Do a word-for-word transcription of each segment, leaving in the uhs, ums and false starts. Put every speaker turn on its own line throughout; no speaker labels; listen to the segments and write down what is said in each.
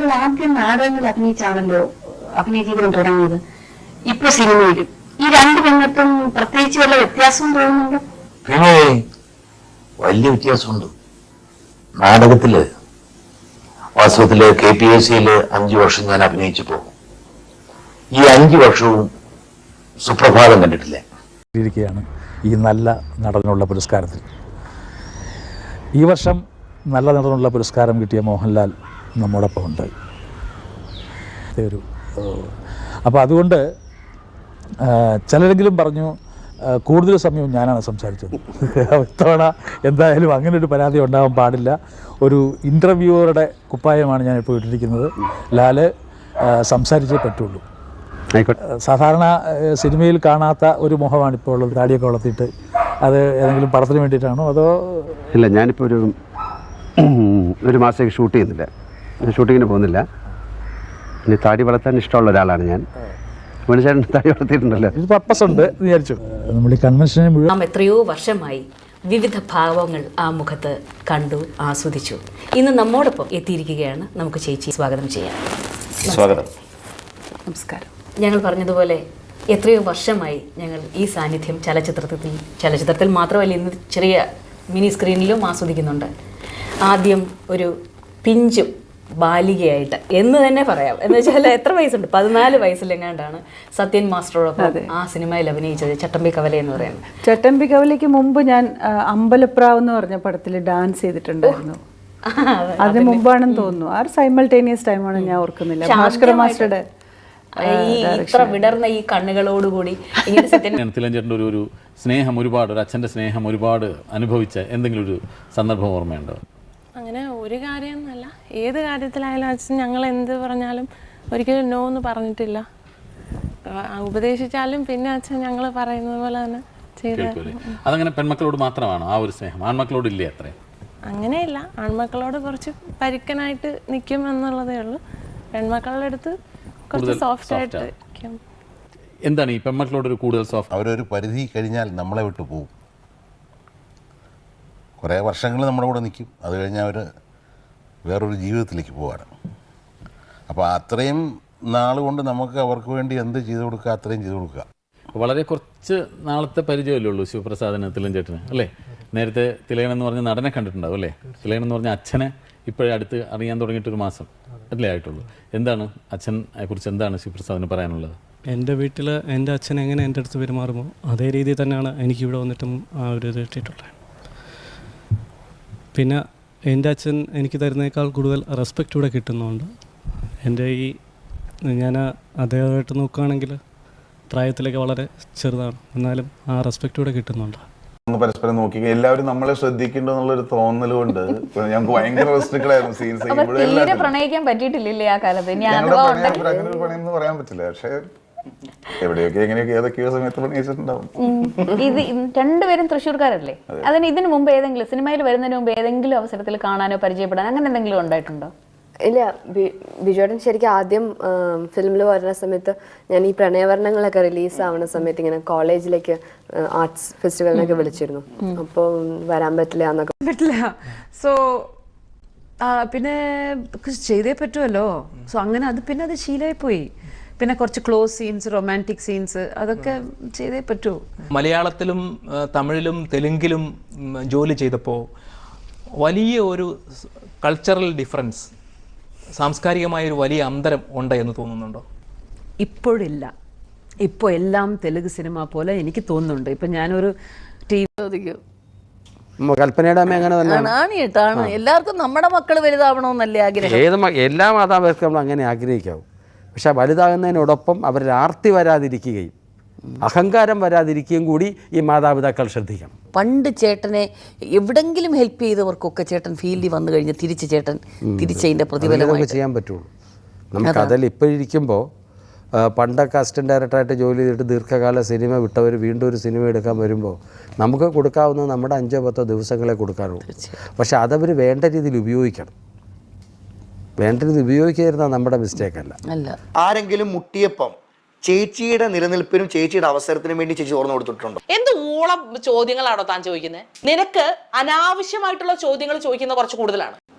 താങ്കൾ ആദ്യം നാടകങ്ങൾ അഭിനയിച്ചാണല്ലോ അഭിനയ ജീവിതം തുടങ്ങിയത്, ഇപ്പൊ സിനിമയിലും ഈ രണ്ട് രംഗത്തും പ്രത്യേകിച്ച് വല്ല വ്യത്യാസവും തോന്നുന്നുണ്ടോ?
പിന്നെ വലിയ വ്യത്യാസമുണ്ട്. നാടകത്തില് വാസ്തവത്തില് കെ പി എസ് സിയില് അഞ്ചു വർഷം ഞാൻ അഭിനയിച്ചപ്പോ ഈ അഞ്ചു വർഷവും സുപ്രഭാതം കണ്ടിട്ടില്ല.
ഇരിക്കുകയാണ് ഈ നല്ല നടനുള്ള പുരസ്കാരത്തിൽ. ഈ വർഷം നല്ല നടനുള്ള പുരസ്കാരം കിട്ടിയ മോഹൻലാൽ നമ്മോടൊപ്പം ഉണ്ട്. ഒരു അപ്പോൾ അതുകൊണ്ട് ചിലരെങ്കിലും പറഞ്ഞു കൂടുതൽ സമയം ഞാനാണ് സംസാരിച്ചത്. ഇത്തവണ എന്തായാലും അങ്ങനെ ഒരു പരാതി ഉണ്ടാകാൻ പാടില്ല. ഒരു ഇൻ്റർവ്യൂവറുടെ കുപ്പായമാണ് ഞാനിപ്പോൾ ഇട്ടിരിക്കുന്നത്. ലാല് സംസാരിച്ചേ പറ്റുള്ളൂ. സാധാരണ സിനിമയിൽ കാണാത്ത ഒരു മുഖമാണ് ഇപ്പോൾ ഉള്ളത്. താടിയൊക്കെ വളർത്തിയിട്ട് അത് ഏതെങ്കിലും പടത്തിന് വേണ്ടിയിട്ടാണോ അതോ?
ഇല്ല, ഞാനിപ്പോൾ ഒരു ഒരു മാസത്തേക്ക് ഷൂട്ട് ചെയ്യുന്നില്ല, ഷൂട്ടിങ്ങിന് പോകുന്നില്ല. ഇനി താടി വളർത്താൻ ഇഷ്ടമുള്ള ഒരാളാണ് ഞാൻ. മനുഷ്യൻ താടി വളർത്തിയിട്ടുണ്ടല്ലോ, ഇത് പർപ്പസ് ഉണ്ട് വിചാരിച്ചു. നമ്മൾ ഈ കൺവെൻഷനെ മുഴുവൻ
എത്രയോ വർഷമായി വിവിധ ഭാവങ്ങൾ ആ മുഖത്ത് കണ്ടു ആസ്വദിച്ചു. ഇന്ന് നമ്മോടൊപ്പം എത്തിയിരിക്കുകയാണ്. നമുക്ക് ചേച്ചി സ്വാഗതം ചെയ്യാം.
സ്വാഗതം.
നമസ്കാരം. ഞങ്ങൾ പറഞ്ഞതുപോലെ എത്രയോ വർഷമായി ഞങ്ങൾ ഈ സാന്നിധ്യം ചലച്ചിത്രത്തിൽ ചലച്ചിത്രത്തിൽ മാത്രമല്ല ഇന്ന് ചെറിയ മിനി സ്ക്രീനിലും ആസ്വദിക്കുന്നുണ്ട്. ആദ്യം ഒരു പിഞ്ചും ബാലികയായിട്ട് എന്ന് തന്നെ പറയാം. എന്ന് വെച്ചാൽ എത്ര വയസ്സുണ്ട്, പതിനാല് വയസ്സിലെങ്ങാണ്ടാണ് സത്യൻ മാസ്റ്ററോടൊപ്പം ആ സിനിമയിൽ അഭിനയിച്ചത്, ചട്ടമ്പി കവല എന്ന് പറയുന്നത്.
ചട്ടമ്പി കവലയ്ക്ക് മുമ്പ് ഞാൻ അമ്പലപ്രാവ് എന്ന് പറഞ്ഞ പടത്തിൽ ഡാൻസ് ചെയ്തിട്ടുണ്ടായിരുന്നു. അതിന് മുമ്പാണെന്ന് തോന്നുന്നു. ആ സൈമൾട്ടേനിയസ് ടൈമാണ്, ഞാൻ ഓർക്കുന്നില്ല. ഭാസ്കര മാസ്റ്ററുടെ
ഈ ഇത്ര വിടർന്ന ഈ കണ്ണുകളോടുകൂടി ഇങ്ങനെ സത്യൻ
തിലഞ്ചേട്ടൻ്റെ ഒരു ഒരു സ്നേഹം ഒരുപാട്, ഒരു അച്ഛൻ്റെ സ്നേഹം ഒരുപാട് അനുഭവിച്ച എന്തെങ്കിലും ഒരു സന്ദർഭം ഓർമ്മയുണ്ടോ?
അങ്ങനെ ഒരു കാര്യമൊന്നുമല്ല, ഏത് കാര്യത്തിലായാലും അച്ഛൻ ഞങ്ങൾ എന്ത് പറഞ്ഞാലും ഒരിക്കലും നോ എന്ന് പറഞ്ഞിട്ടില്ല. ഉപദേശിച്ചാലും പിന്നെ അച്ഛൻ ഞങ്ങൾ പറയുന്നത് പോലെ തന്നെ ചെയ്തു.
അതങ്ങനെ പെൺമക്കളോട് മാത്രമാണോ ആ ഒരു സ്നേഹം? ആൺമക്കളോട് ഇല്ലേ അത്രേ?
അങ്ങനെയില്ല, ആൺമക്കളോട് കുറച്ച് പരുക്കനായിട്ട് നിൽക്കും എന്നുള്ളതേ ഉള്ളൂ. പെൺമക്കളുടെ അടുത്ത് കുറച്ച് സോഫ്റ്റ് ആയിട്ട് നിൽക്കും.
എന്താണ് ഈ പെൺമക്കളോട് ഒരു കൂടുതൽ സോഫ്റ്റ്?
അവരൊരു പരിധി കഴിഞ്ഞാൽ നമ്മളെ വിട്ടു പോകും. കുറേ വർഷങ്ങൾ നമ്മുടെ കൂടെ നിൽക്കും, അത് കഴിഞ്ഞാൽ അവർ വേറൊരു ജീവിതത്തിലേക്ക് പോവാണ്. അപ്പോൾ അത്രയും നാൾ കൊണ്ട് നമുക്ക് അവർക്ക് വേണ്ടി എന്ത് ചെയ്തു കൊടുക്കുക അത്രയും ചെയ്തു കൊടുക്കുക.
വളരെ കുറച്ച് നാളത്തെ പരിചയമല്ലേ ഉള്ളൂ ശിവപ്രസാദിന് തിലഞ്ചേട്ടന്, അല്ലേ? നേരത്തെ തിലകൻ എന്ന് പറഞ്ഞ നടനെ കണ്ടിട്ടുണ്ടാവും അല്ലേ? തിലകൻ എന്ന് പറഞ്ഞ അച്ഛനെ ഇപ്പോഴേ അടുത്ത് അറിയാൻ തുടങ്ങിയിട്ടൊരു മാസം അല്ലേ ആയിട്ടുള്ളൂ. എന്താണ് അച്ഛനെ കുറിച്ച് എന്താണ് ശിവപ്രസാദിന് പറയാനുള്ളത്?
എൻ്റെ വീട്ടിൽ എൻ്റെ അച്ഛൻ എങ്ങനെ എൻ്റെ അടുത്ത് പെരുമാറുമോ അതേ രീതിയിൽ തന്നെയാണ് എനിക്കിവിടെ വന്നിട്ടും ആ ഒരു ഇത് കിട്ടിയിട്ടുള്ളത്. പിന്നെ എൻ്റെ അച്ഛൻ എനിക്ക് തരുന്നേക്കാൾ കൂടുതൽ റെസ്പെക്റ്റ് ഇവിടെ കിട്ടുന്നുണ്ട്. എൻ്റെ ഈ ഞാൻ അദ്ദേഹമായിട്ട് നോക്കുകയാണെങ്കിൽ പ്രായത്തിലേക്ക് വളരെ ചെറുതാണ്, എന്നാലും ആ റെസ്പെക്റ്റ് ഇവിടെ കിട്ടുന്നുണ്ട്.
പരസ്പരം നോക്കി എല്ലാവരും നമ്മളെ ശ്രദ്ധിക്കേണ്ടെന്നുള്ളൊരു തോന്നലുകൊണ്ട് ഞങ്ങൾക്ക് ഭയങ്കര റെസ്ട്രിക്റ്റഡായിരുന്നു സീൻസ്.
പ്രണയിക്കാൻ പറ്റിയിട്ടില്ലേ ആ കാലത്ത്?
അങ്ങനെ ഒരു പണിയെന്ന് പറയാൻ പറ്റില്ല, പക്ഷേ എവിടെയൊക്കെ എങ്ങനെയൊക്കെ ഏതൊക്കെയോ സമയത്ത് പണിയിച്ചിട്ടുണ്ടാവും.
ഇത് രണ്ടുപേരും തൃശ്ശൂർക്കാരല്ലേ? അതിന് ഇതിനു മുമ്പ് ഏതെങ്കിലും സിനിമയിൽ വരുന്നതിന് മുമ്പ് ഏതെങ്കിലും അവസരത്തിൽ കാണാനോ പരിചയപ്പെടാനോ അങ്ങനെ എന്തെങ്കിലും ഉണ്ടായിട്ടുണ്ടോ?
ഇല്ല, ബിജുവേട്ടൻ ശരിക്കും ആദ്യം ഫിലിമിൽ വരുന്ന സമയത്ത് ഞാൻ ഈ പ്രണയവർണ്ണങ്ങളൊക്കെ റിലീസ് ആവുന്ന സമയത്ത് ഇങ്ങനെ കോളേജിലേക്ക് ആർട്സ് ഫെസ്റ്റിവലിനൊക്കെ വിളിച്ചിരുന്നു. അപ്പോൾ വരാൻ പറ്റില്ല എന്നൊക്കെ
പറ്റില്ല. സോ പിന്നെ ചെയ്തേ പറ്റുമല്ലോ. സോ അങ്ങനെ അത് പിന്നെ അത് ശീലമായി പോയി. പിന്നെ കുറച്ച് ക്ലോസ് സീൻസ്, റൊമാൻറ്റിക് സീൻസ് അതൊക്കെ ചെയ്തേ പറ്റൂ.
മലയാളത്തിലും തമിഴിലും തെലുങ്കിലും ജോലി ചെയ്തപ്പോൾ വലിയ ഒരു കൾച്ചറൽ ഡിഫറൻസ്, സാംസ്കാരികമായൊരു വലിയ അന്തരം ഉണ്ട് എന്ന് തോന്നുന്നുണ്ടോ?
ഇപ്പോഴില്ല. ഇപ്പോൾ എല്ലാം തെലുങ്ക് സിനിമ പോലെ എനിക്ക് തോന്നുന്നുണ്ട്. ഇപ്പം ഞാനൊരു ടി വി
കൽപ്പനയുടെ അമ്മ അങ്ങനെ തന്നെയാണ്.
എല്ലാവർക്കും നമ്മുടെ മക്കൾ വലുതാവണമെന്നല്ലേ ആഗ്രഹം.
ഏത് എല്ലാ മാതാപിതാക്കളും നമ്മൾ അങ്ങനെ ആഗ്രഹിക്കാവും. പക്ഷെ വലുതാകുന്നതിനോടൊപ്പം അവരിൽ ആർത്തി വരാതിരിക്കുകയും അഹങ്കാരം വരാതിരിക്കുകയും കൂടി ഈ മാതാപിതാക്കൾ ശ്രദ്ധിക്കണം.
പണ്ട് ചേട്ടനെ എവിടെങ്കിലും ഹെൽപ്പ് ചെയ്തവർക്കൊക്കെ ചേട്ടൻ ഫീൽഡിൽ വന്നു കഴിഞ്ഞ് തിരിച്ച് ചേട്ടൻ തിരിച്ചതിൻ്റെ പ്രതിഫലം
ചെയ്യാൻ പറ്റുള്ളൂ. നമുക്ക് അതിൽ ഇപ്പോഴിരിക്കുമ്പോൾ പണ്ടൊക്കെ അസിസ്റ്റന്റ് ഡയറക്ടറായിട്ട് ജോലി ചെയ്തിട്ട് ദീർഘകാല സിനിമ വിട്ടവർ വീണ്ടും ഒരു സിനിമ എടുക്കാൻ വരുമ്പോൾ നമുക്ക് കൊടുക്കാവുന്നത് നമ്മുടെ അഞ്ചോ പത്തോ ദിവസങ്ങളെ കൊടുക്കാറുള്ളൂ. പക്ഷെ അതവർ വേണ്ട രീതിയിൽ ഉപയോഗിക്കണം. വേണ്ട രീതിയിൽ ഉപയോഗിക്കാതിരുന്നാൽ നമ്മുടെ മിസ്റ്റേക്ക് അല്ല.
അല്ല ആരെങ്കിലും മുട്ടിയപ്പം ചേച്ചിയുടെ നിലനിൽപ്പിനും ചേച്ചിയുടെ അവസരത്തിനും വേണ്ടി ചേച്ചി ഓർമ്മ കൊടുത്തിട്ടുണ്ടോ?
എന്ത് ഊളം ചോദ്യങ്ങളാണോ താൻ ചോദിക്കുന്നത്? നിനക്ക് അനാവശ്യമായിട്ടുള്ള ചോദ്യങ്ങൾ ചോദിക്കുന്നത് കുറച്ച് കൂടുതലാണ്.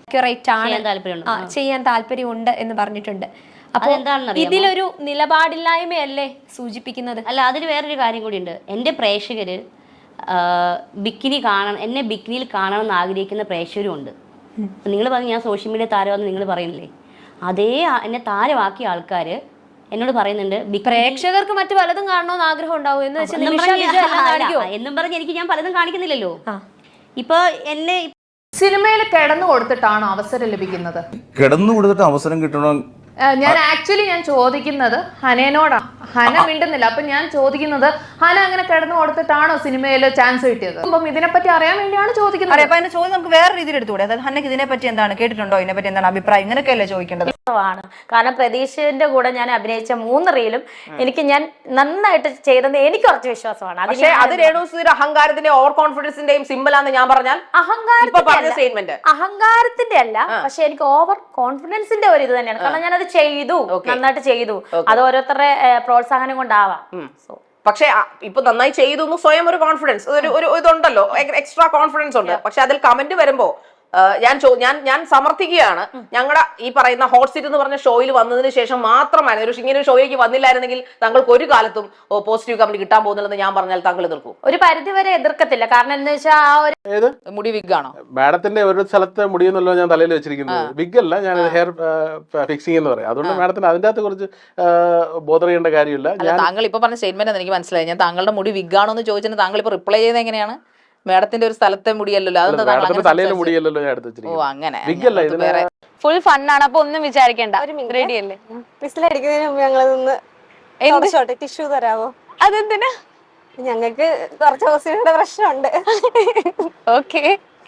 അക്യുറേറ്റ് ആണ്,
ചെയ്യാൻ താല്പര്യമുണ്ട്.
ആ, ചെയ്യാൻ താല്പര്യമുണ്ട് എന്ന് പറഞ്ഞിട്ടുണ്ട്. അപ്പോൾ
അതെന്താണെന്നറിയാമോ?
ഇതിലൊരു നിലപാടില്ലായ്മയല്ലേ സൂചിപ്പിക്കുന്നത്?
അല്ല, അതിൽ വേറൊരു കാര്യം കൂടിയുണ്ട്. എൻ്റെ പ്രേക്ഷകർ ബിക്കിനി കാണണം, എന്നെ ബിക്കിനിയിൽ കാണണം എന്ന് ആഗ്രഹിക്കുന്ന പ്രേക്ഷകരും ഉണ്ട്. നിങ്ങൾ പറഞ്ഞു ഞാൻ സോഷ്യൽ മീഡിയ താരമാണെന്ന് നിങ്ങൾ പറയുന്നില്ലേ, അതേ ആ- എന്നെ താരമാക്കിയ ആൾക്കാർ എന്നോട് പറയുന്നുണ്ട് ബിക്കിനി-
പ്രേക്ഷകർക്ക് മറ്റു പലതും കാണണമെന്ന് ആഗ്രഹം ഉണ്ടാവും എന്ന് വെച്ചാൽ
എന്നും
നിമിഷ
പറഞ്ഞ്
വിജയ് എല്ലാം കാണിക്കുമോ?
അല്ല, എന്നും പറഞ്ഞ് എനിക്ക് ഞാൻ പലതും കാണിക്കുന്നില്ലല്ലോ. ഇപ്പൊ എന്നെ
സിനിമയിൽ കിടന്നു കൊടുത്തിട്ടാണോ അവസരം ലഭിക്കുന്നത്?
കിടന്നു കൊടുത്തിട്ട് അവസരം കിട്ടണം.
ഏഹ് ഞാൻ ആക്ച്വലി ഞാൻ ചോദിക്കുന്നത് ഹനേനോടാണ്. ഹന മിണ്ടുന്നില്ല. അപ്പൊ ഞാൻ ചോദിക്കുന്നത് ഹന അങ്ങനെ കിടന്നു കൊടുത്തിട്ടാണോ സിനിമയിൽ ചാൻസ് കിട്ടിയത്? അപ്പം ഇതിനെപ്പറ്റി അറിയാൻ വേണ്ടിയാണ് ചോദിക്കുന്നത്.
അറിയാം. അപ്പൊ അതിന്റെ ചോദ്യം നമുക്ക് വേറെ രീതിയിൽ എടുത്തുകൂടെ? അതായത് ഹന്നക്ക് ഇതിനെപ്പറ്റി എന്താണ്, കേട്ടിട്ടുണ്ടോ, ഇതിനെപ്പറ്റി എന്താണ് അഭിപ്രായം, ഇങ്ങനെയൊക്കെയല്ലേ ചോദിക്കേണ്ടത്?
ആണ്. കാരണം പ്രതീക്ഷന്റെ കൂടെ ഞാൻ അഭിനയിച്ച മൂന്ന് റീലും എനിക്ക് ഞാൻ നന്നായിട്ട് ചെയ്തെന്ന് എനിക്ക് കുറച്ച് വിശ്വാസമാണ്.
പക്ഷേ അത് രേണുസുധിയുടെ അഹങ്കാരത്തിന്റെ ഓവർ കോൺഫിഡൻസിന്റെയും സിമ്പിളാന്ന് ഞാൻ പറഞ്ഞാൽ
അഹങ്കാരത്തിന്റെ അഹങ്കാരത്തിന്റെ അല്ല, പക്ഷെ എനിക്ക് ഓവർ കോൺഫിഡൻസിന്റെ ഒരു ഇത് തന്നെയാണ്. കാരണം ഞാൻ അത് ചെയ്തു, നന്നായിട്ട് ചെയ്തു. അത് ഓരോരുത്തരുടെ പ്രോത്സാഹനം കൊണ്ടാവാം.
പക്ഷെ ഇപ്പൊ നന്നായി ചെയ്തു സ്വയം ഒരു കോൺഫിഡൻസ്, ഒരു ഒരു ഇതുണ്ടല്ലോ, എക്സ്ട്രാ കോൺഫിഡൻസ് ഉണ്ട്. പക്ഷെ അതിൽ കമന്റ് വരുമ്പോ ഞാൻ ഞാൻ ഞാൻ സമർത്ഥിക്കുകയാണ്, ഞങ്ങളുടെ ഈ പറയുന്ന ഹോട്ട് സീറ്റ് എന്ന് പറഞ്ഞ ഷോയിൽ വന്നതിന് ശേഷം മാത്രമായിരുന്നു, ഒരു ഇങ്ങനെ ഒരു ഷോയിലേക്ക് വന്നില്ലായിരുന്നെങ്കിൽ താങ്കൾക്ക് ഒരു കാലത്തും പോസിറ്റീവ് കമന്റ് കിട്ടാൻ പോകുന്നില്ലെന്ന് ഞാൻ പറഞ്ഞാൽ താങ്കൾ എതിർക്കും?
ഒരു പരിധി വരെ എതിർക്കത്തില്ല. കാരണം എന്താ വെച്ചാൽ ആ ഒരു
മുടി വിഗാണോ?
മാഡത്തിന്റെ ഒരു സ്ഥലത്തെ മുടിയെന്നല്ലോ ഞാൻ തലയിൽ വെച്ചിരിക്കുന്നത്. വിഗ് അല്ല, ഞാൻ ഹെയർ ഫിക്സിംഗ് എന്ന് പറയും. അതുകൊണ്ട് മാഡത്തിന് അതിന്റെ അകത്ത് കുറച്ച് ബോധർ ചെയ്യേണ്ട കാര്യമില്ല.
താങ്കൾ ഇപ്പൊ പറഞ്ഞ സ്റ്റേറ്റ്മെന്റ് എനിക്ക് മനസ്സിലായി. ഞാൻ താങ്കളുടെ മുടി വിഗാണോ എന്ന് ചോദിച്ചിട്ട് താങ്കൾ ഇപ്പൊ റിപ്ലൈ ചെയ്യുന്നത് എങ്ങനെയാണ്? മാഡത്തിന്റെ ഒരു സ്ഥലത്തെ മുടിയല്ലോ,
തലയിലെ മുടിയല്ലോ ഞാൻ എടുത്ത്
ഓ അങ്ങനെ
ഫുൾ ഫണ്ണാണ്. അപ്പൊ ഒന്നും വിചാരിക്കേണ്ട. റെഡി അല്ലേ?
വിസിലടിക്കുന്നതിന് മുമ്പ് ഞങ്ങളൊന്ന് ടിഷ്യൂ തരാവോ?
അതെന്തിനാ?
ഞങ്ങൾക്ക് കുറച്ച് ഹോസ്പിറ്റലിന്റെ പ്രശ്നമുണ്ട്.
ഓക്കെ.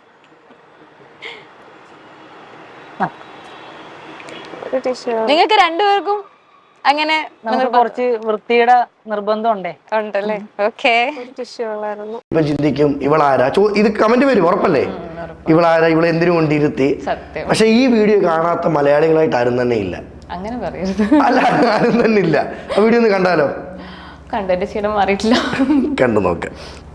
നിങ്ങൾക്ക് രണ്ടുപേർക്കും അങ്ങനെ
കുറച്ച് വൃത്തിയുടെ നിർബന്ധം ഉണ്ടേ
ഉണ്ടല്ലേ? ഓക്കെ.
ടിഷ്യൂ ഉള്ളായിരുന്നു.
ഇപ്പൊ ചിന്തിക്കും ഇവളാരാ, ചോ ഇത് കമന്റ് വരും ഉറപ്പല്ലേ, ഇവളാരാ, ഇവളെ എന്തിനു കൊണ്ടിരുത്തി. പക്ഷെ ഈ വീഡിയോ കാണാത്ത മലയാളികളായിട്ട് ആരും തന്നെ ഇല്ല.
അങ്ങനെ പറയരുത്.
അല്ല, ആരും തന്നെ ഇല്ല. ആ വീഡിയോ ഒന്ന് കണ്ടാലോ?
കണ്ടന്റ് ശീലം മാറിയിട്ടില്ല.
കണ്ടു നോക്കാം.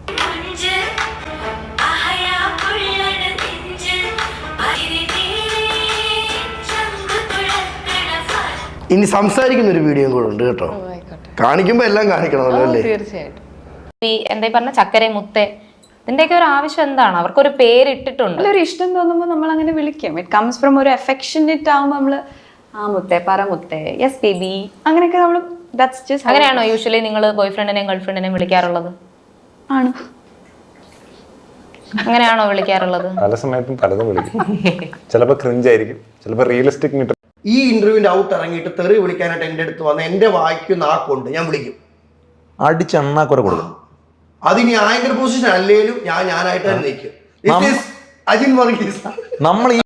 ഇനി സംസാരിക്കുന്ന ഒരു വീഡിയോ കൂടെ ഉണ്ട് കേട്ടോ. കാണിക്കുമ്പോ എല്ലാം കാണിക്കണമല്ലോ അല്ലേ?
തീർച്ചയായിട്ടും.
ഈ എന്താ പറഞ്ഞ ചക്കര മുത്തേ, ഇതിന്റെയൊക്കെ ഒരു ആവശ്യം എന്താണ്? അവർക്കൊരു പേരിട്ടിട്ടുണ്ട്.
ഒരു ഇഷ്ടം തോന്നുമ്പോൾ നമ്മൾ അങ്ങനെ വിളിക്കും. ഇറ്റ് കംസ് ഫ്രം ഒരു അഫെക്ഷനേറ്റ് ആവുമ്പോൾ നമ്മള് ആ മുത്തേ, പറ മുത്തേ, യെസ് ബേബി, അങ്ങനെയൊക്കെ നമ്മൾ ദാറ്റ്സ് ജസ്റ്റ്.
അങ്ങനെയാണോ യൂഷ്വലി നിങ്ങൾ ബോയ് ഫ്രണ്ടിനെയും ഗേൾ ഫ്രണ്ടിനെയും വിളിക്കാറുള്ളത്?
ആണ്.
അങ്ങനെയാണോ വിളിക്കാറുള്ളത്?
പല സമയത്തും പലതും വിളിക്കും. ചിലപ്പോൾ ക്രിഞ്ച് ആയിരിക്കും, ചിലപ്പോൾ റിയലിസ്റ്റിക്.
ഈ ഇന്റർവ്യൂവിന്റെ ഔട്ട് ഇറങ്ങിയിട്ട് തെറി വിളിക്കാനായിട്ട് എന്റെ അടുത്ത് വന്ന് എന്റെ വായിക്ക് നാക്കുണ്ട്, ഞാൻ വിളിക്കും,
അടിച്ചെണ്ണാക്കുറ കൊടുക്കും.
അതിനി ആങ്കർ പൊസിഷൻ അല്ലേലും ഞാൻ ഞാനായിട്ട് തന്നെ നിൽക്കും. അജിൻ വർഗീസ്
നമ്മൾ